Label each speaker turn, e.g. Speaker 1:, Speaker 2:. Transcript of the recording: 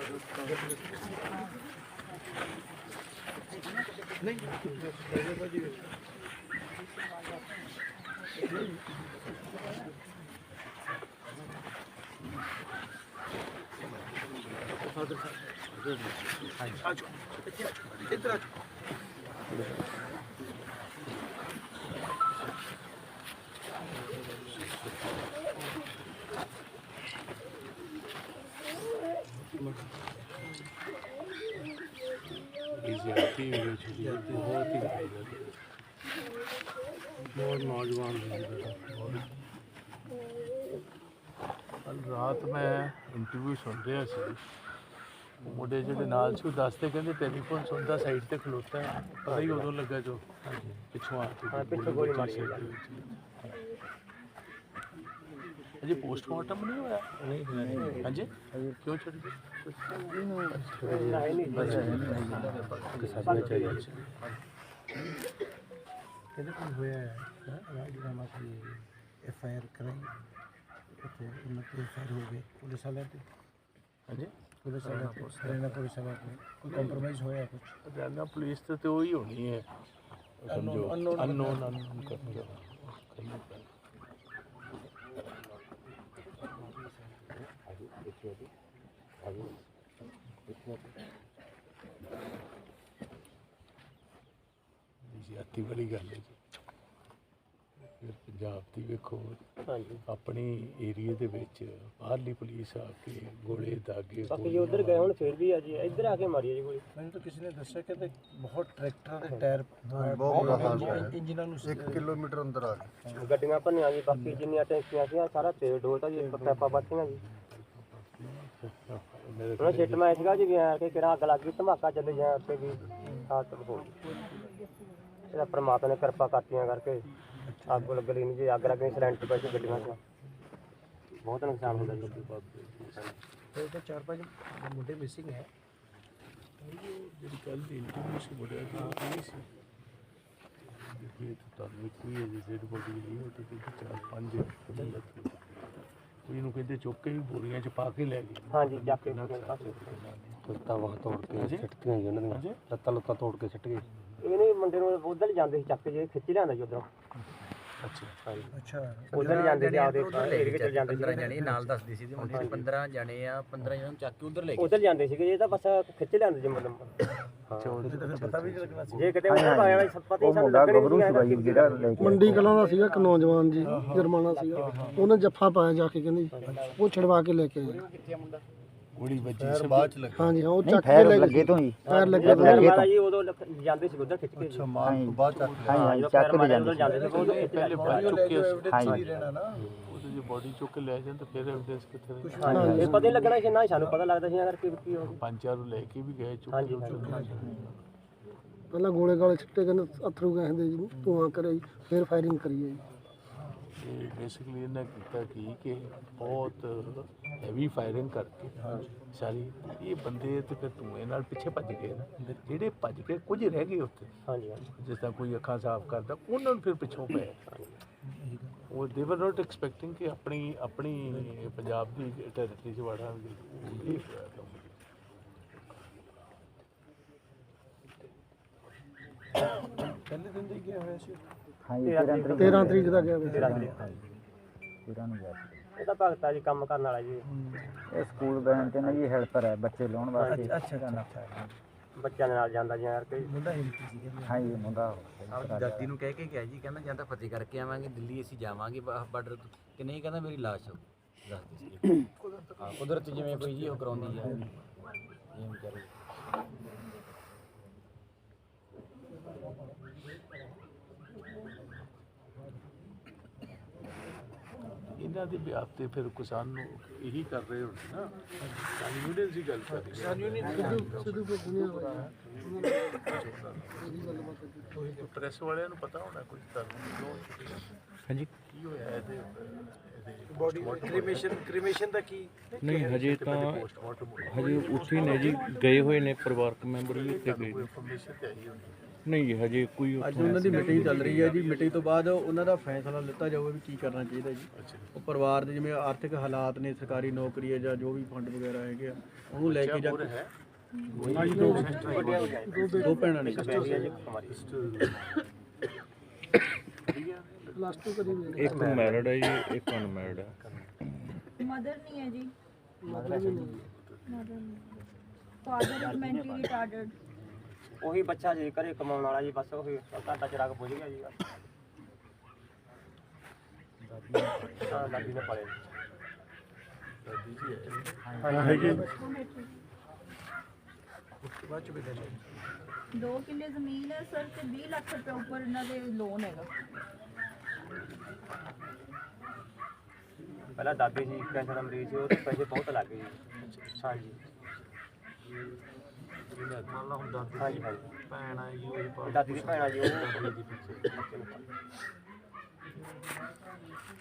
Speaker 1: बहुत नौजवान कल रात मैं इंटरव्यू सुन रहा सी मुंडे जो नाल से दसते कहते टेलीफोन सुनता साइड से खलोता है पता ही उदों लगा जो पिछों अजे पोस्टमार्टम नहीं होया हाँ जी क्यों छड़ी
Speaker 2: FIR कराई FIR हो गए पुलिस वाले
Speaker 1: हाँ जी
Speaker 2: पुलिस वाले हरियाणा पुलिस वाले कोई कॉम्प्रोमाइज़ होया कुछ
Speaker 1: हरियाणा पुलिस तो वही होनी है समझो अननोन करके ज्यादा बड़ी गल है जी फिर पंजाब की वेखो अपनी एरिए दे विच बाहरली पुलिस आके गोले दागे
Speaker 3: बाकी जो उधर गए हुण फिर भी है जी इधर आके मारी है जी गोली
Speaker 2: मैंने तो किसी ने दस्या कि बहुत ट्रैक्टर के टायर इंजन 1 किलोमीटर अंदर आ गए
Speaker 3: गड्डियां भनिया जी बाकी जिन्नियां टैंकियां सी सारा तेल डोलता जी पैपा बत्तियां जी ਉਹਨਾਂ ਛਿੱਟ ਮੈਂ ਸੀਗਾ ਜੀ ਗਿਆ ਕਿ ਕਿਹੜਾ ਅੱਗ ਲੱਗ ਗਈ ਧਮਾਕਾ ਚੱਲੇ ਜਾਂ ਉੱਤੇ ਵੀ ਹਾਲਤ ਹੋ ਗਈ ਇਹਦਾ ਪਰਮਾਤਮਾ ਨੇ ਕਿਰਪਾ ਕਰਤੀਆਂ ਕਰਕੇ ਅੱਗ ਲੱਗਣੀ ਨਹੀਂ ਜੀ ਅੱਗ ਲੱਗਣੀ ਸਿਲੰਡਰ ਪੈ ਕੇ ਗੱਡੀਆਂ 'ਚ ਬਹੁਤ ਨੁਕਸਾਨ ਹੁੰਦਾ ਜੀ
Speaker 2: तो 4-5 मुंडे मिसिंग है
Speaker 1: जी कल इंटरव्यू से बड़ा नहीं सी देखिए तो तारीख कोई है डेड बॉडी नहीं होती थी 4-5 कोई कहते चुक के भी बोरियां च पा के लै गए
Speaker 3: हाँ जी जाके
Speaker 2: लत्ता वह तोड़ के सिटतियां जी उन्होंने लत्ता लत्ता तोड़ के सिट गए
Speaker 3: ਇਹ ਨਹੀਂ ਮੁੰਡੇ ਨੂੰ ਉਧਰ ਜਾਂਦੇ ਸੀ ਚੱਕ ਕੇ ਜੇ ਖਿੱਚ ਲਿਆਂਦਾ ਜੀ ਉਧਰੋਂ
Speaker 2: अच्छा
Speaker 3: ਉਧਰ ਜਾਂਦੇ ਸੀ ਆਪਦੇ ਏਰੀਏ ਵਿੱਚ ਜਾਂਦੇ ਸੀ
Speaker 4: 15 ਜਣੇ ਨਾਲ ਦੱਸਦੀ ਸੀ ਮੁੰਡੇ 15 ਜਣੇ ਆ 15 ਜਣੇ ਨੂੰ ਚੱਕ ਕੇ ਉਧਰ ਲੈ ਗਏ
Speaker 3: ਉਧਰ ਜਾਂਦੇ ਸੀਗੇ ਇਹ ਤਾਂ ਬਸ ਖਿੱਚ ਲਿਆਂਦੇ ਜੀ ਮਤਲਬ
Speaker 2: पता भी नहीं लगना
Speaker 3: ਜੇ ਕਿਤੇ ਉਧਰ ਪਾਇਆ ਪਤਾ ਹੀ ਸਾਨੂੰ ਲੱਗਣੀ ਨਹੀਂ
Speaker 2: ਜਿਹੜਾ
Speaker 5: ਮੰਡੀ ਕਲਾਂ ਦਾ ਸੀਗਾ ਇੱਕ ਨੌਜਵਾਨ ਜੀ ਜਰਮਾਨਾ ਸੀਗਾ ਉਹਨੇ ਜੱਫਾ ਪਾਇਆ ਜਾ ਕੇ ਕਹਿੰਦੇ ਉਹ ਛੜਵਾ ਕੇ ਲੈ ਕੇ ਆਏ
Speaker 1: गोली बजी से बाद च लगी
Speaker 5: ਹਾਂਜੀ ਹਾਂ ਉਹ ਚੱਕ ਕੇ ਲੈ ਗਏ
Speaker 2: ਤੋਂ ही
Speaker 5: ਪੈਰ ਲੱਗੇ
Speaker 3: ਮਾਰਾ ਜੀ ਉਦੋਂ ਜਾਂਦੇ ਸੀ ਉਧਰ ਖਿੱਚ ਕੇ
Speaker 1: अच्छा मार तो बाद चक
Speaker 2: ਹਾਂ
Speaker 3: ਚੱਕ ਕੇ ਜਾਂਦੇ ਸੀ ਉਦੋਂ
Speaker 1: पहले बॉडी चुक के
Speaker 2: ਰਹਿਣਾ ਨਾ
Speaker 1: ਉਹਦੇ ਜੇ ਬੋਡੀ ਚੁੱਕ ਕੇ ਲੈ ਜਾਣ ਤਾਂ ਫਿਰ ਐਵੀਡੈਂਸ ਕਿੱਥੇ ਰਹੇ
Speaker 3: ਇਹ ਪਤਾ ਹੀ ਲੱਗਣਾ ਸੀ ਨਾ ਸਾਨੂੰ ਪਤਾ ਲੱਗਦਾ ਸੀ ਅਗਰ ਕੀ ਹੋ ਗਿਆ
Speaker 1: ਪੰਜ ਚਾਰ ਨੂੰ ਲੈ ਕੇ ਵੀ ਗਏ ਚੁੱਕ
Speaker 3: ਹਾਂਜੀ
Speaker 5: ਪਹਿਲਾਂ ਗੋਲੇ ਗਾਲੇ ਛਿੱਟੇ ਕਹਿੰਦੇ ਅਥਰੂ ਕਹਿੰਦੇ ਜੀ ਧੂਆਂ ਕਰਿਆ ਜੀ ਫਿਰ ਫਾਇਰਿੰਗ ਕਰੀ ਹੈ ਜੀ
Speaker 1: ਤੇ ਬੇਸਿਕਲੀ ਇਹਨਾਂ ਕੀਤਾ ਕਿ ਬਹੁਤ ਹੈਵੀ ਫਾਇਰਿੰਗ ਕਰਕੇ ਸਾਰੀ ਇਹ ਬੰਦੇ ਤੇ ਫਿਰ ਧੂਏ ਨਾਲ ਪਿੱਛੇ ਭੱਜ ਗਏ ਨਾ ਜਿਹੜੇ ਭੱਜ ਕੇ ਕੁਝ ਰਹਿ ਗਏ ਉੱਥੇ
Speaker 3: ਹਾਂਜੀ
Speaker 1: ਜਿਸ ਤਰ੍ਹਾਂ ਕੋਈ ਅੱਖਾਂ ਸਾਫ਼ ਕਰਦਾ ਉਹਨਾਂ ਨੂੰ ਫਿਰ ਪਿੱਛੋਂ ਪਏ ਉਹ ਦੇ ਵਰ ਨਾਟ ਐਕਸਪੈਕਟਿੰਗ ਕਿ ਆਪਣੀ ਪੰਜਾਬ ਦੀ ਟੈਰੀਟਰੀ 'ਚ ਵੜਾਂਗੇ
Speaker 2: ਪਹਿਲੇ ਦਿਨ ਦੇ ਗਿਆ ਹੋਇਆ ਸੀ
Speaker 5: हाँ 13 ਤਰੀਕ ਦਾ ਗਿਆ ਵੇ
Speaker 3: ਇਹ ਤਾਂ ਭਗਤਾ ਜੀ ਕੰਮ ਕਰਨ ਵਾਲਾ ਜੀ
Speaker 6: ਇਹ ਸਕੂਲ ਬੈਨ ਤੇ ਨਾ ਜੀ ਹੈਲਪਰ ਹੈ ਬੱਚੇ ਲਾਉਣ ਵਾਸਤੇ
Speaker 3: ਬੱਚਿਆਂ ਦੇ ਨਾਲ ਜਾਂਦਾ ਜੀ ਯਾਰ ਕੋਈ
Speaker 2: ਮੁੰਡਾ ਹਿੰਦੀ ਸੀਗਾ
Speaker 6: ਹਾਂ ਜੀ ਮੁੰਡਾ
Speaker 4: ਆਪਣੀ ਦਾਦੀ ਨੂੰ ਕਹਿ ਕੇ ਗਿਆ ਜੀ ਕਹਿੰਦਾ ਜਾਂ ਤਾਂ ਫਤਿਹ ਕਰਕੇ ਆਵਾਂਗੇ ਦਿੱਲੀ ਅਸੀਂ ਜਾਵਾਂਗੇ ਬਾਰਡਰ ਕਿ ਨਹੀਂ ਕਹਿੰਦਾ ਮੇਰੀ ਲਾਸ਼ ਦੱਸਦੀ ਸੀ ਹਾਂ ਕੁਦਰਤ ਜਿਵੇਂ ਕੋਈ ਜੀ ਉਹ ਕਰਾਉਂਦੀ ਆ ਇਹ ਵਿਚਾਰੇ
Speaker 1: ਇਹਨਾਂ ਦੇ ਵਿਆਹ ਤੇ ਫਿਰ ਕਿਸਾਨ ਨੂੰ ਇਹੀ ਕਰ ਰਹੇ ਹੋਣ ਨਾ ਕਿਸਾਨ ਯੂਨੀਅਨ ਦੀ ਗੱਲ ਕਰ ਰਹੇ ਪ੍ਰੈਸ ਵਾਲਿਆਂ ਨੂੰ ਪਤਾ ਹੋਣਾ ਕੁਝ ਤੁਹਾਨੂੰ
Speaker 7: ਹਾਂਜੀ
Speaker 1: ਕੀ ਹੋਇਆ ਇਹਦੇ
Speaker 2: ਬੋਡੀ ਕ੍ਰੀਮੇਸ਼ਨ ਦਾ ਕੀ
Speaker 7: ਨਹੀਂ ਹਜੇ ਤਾਂ
Speaker 1: ਪੋਸਟਮਾਰਟਮ
Speaker 7: ਹਜੇ ਉੱਥੇ ਨੇ ਜੀ ਗਏ ਹੋਏ ਨੇ ਪਰਿਵਾਰਕ ਮੈਂਬਰ ਵੀ ਉੱਥੇ ਗਏ ਨੇ।
Speaker 1: ਇਨਫੋਰਮੇਸ਼ਨ ਤੇ ਆਈ ਹੁੰਦੀ
Speaker 7: ਨਹੀਂ ਜੀ ਹਜੇ ਕੋਈ
Speaker 2: ਅੱਜ ਉਹਨਾਂ ਦੀ ਮੀਟਿੰਗ ਚੱਲ ਰਹੀ ਹੈ ਜੀ। ਮੀਟਿੰਗ ਤੋਂ ਬਾਅਦ ਉਹਨਾਂ ਦਾ ਫੈਸਲਾ ਲਿੱਤਾ ਜਾਊਗਾ ਵੀ ਕੀ ਕਰਨਾ ਚਾਹੀਦਾ ਜੀ। ਉਹ ਪਰਿਵਾਰ ਦੇ ਜਿਵੇਂ ਆਰਥਿਕ ਹਾਲਾਤ ਨੇ, ਸਰਕਾਰੀ ਨੌਕਰੀ ਹੈ ਜਾਂ ਜੋ ਵੀ ਫੰਡ ਵਗੈਰਾ ਹੈਗੇ ਆ, ਉਹਨੂੰ ਲੈ ਕੇ ਜਾ ਕੇ ਦੋ ਭੈਣਾਂ ਨੇ
Speaker 5: ਪਲੱਸ 2 ਕਰੀ ਹੋਈ
Speaker 7: ਇੱਕ ਮੈਰਿਡ ਹੈ ਜੀ, ਇੱਕ ਅਨਮੈਰਿਡ ਹੈ।
Speaker 8: ਮਦਰ ਨਹੀਂ ਹੈ ਜੀ। ਮਦਰ ਨਹੀਂ। Father is mentally retarded.
Speaker 3: ਉਹੀ ਬੱਚਾ ਜੀ ਘਰੇ ਕਮਾਉਣ ਵਾਲਾ ਜੀ, ਬਸ ਉਹੀ ਘਾਟਾ ਚਿਰਾਗ ਬੁਝ ਗਿਆ ਜੀ। ਹਾਂ ਦਾਦੀ ਨੇ ਪਾਲੇ ਬਾਅਦ ਚ ਵੀ
Speaker 8: 2 ਕਿੱਲੇ ਜ਼ਮੀਨ ਹੈ ਸਰ ਤੇ 20 ਲੱਖ ਰੁਪਏ ਉੱਪਰ ਇਹਨਾਂ ਦੇ ਲੋਨ ਹੈਗਾ।
Speaker 3: ਪਹਿਲਾਂ ਦਾਦੀ ਜੀ ਕੈਂਸਰ ਦਾ ਮਰੀਜ਼ ਸੀ, ਉਹਦੇ ਪੈਸੇ ਬਹੁਤ ਲੱਗ ਗਏ ਜੀ। ਹਾਂਜੀ ਹਾਂਜੀ ਹਾਂਜੀ
Speaker 1: ਭੈਣ ਆ ਜੀ ਉਹਦੀ
Speaker 3: ਦਾਦੀ ਦੀ ਭੈਣ ਆ ਜੀ ਉਹ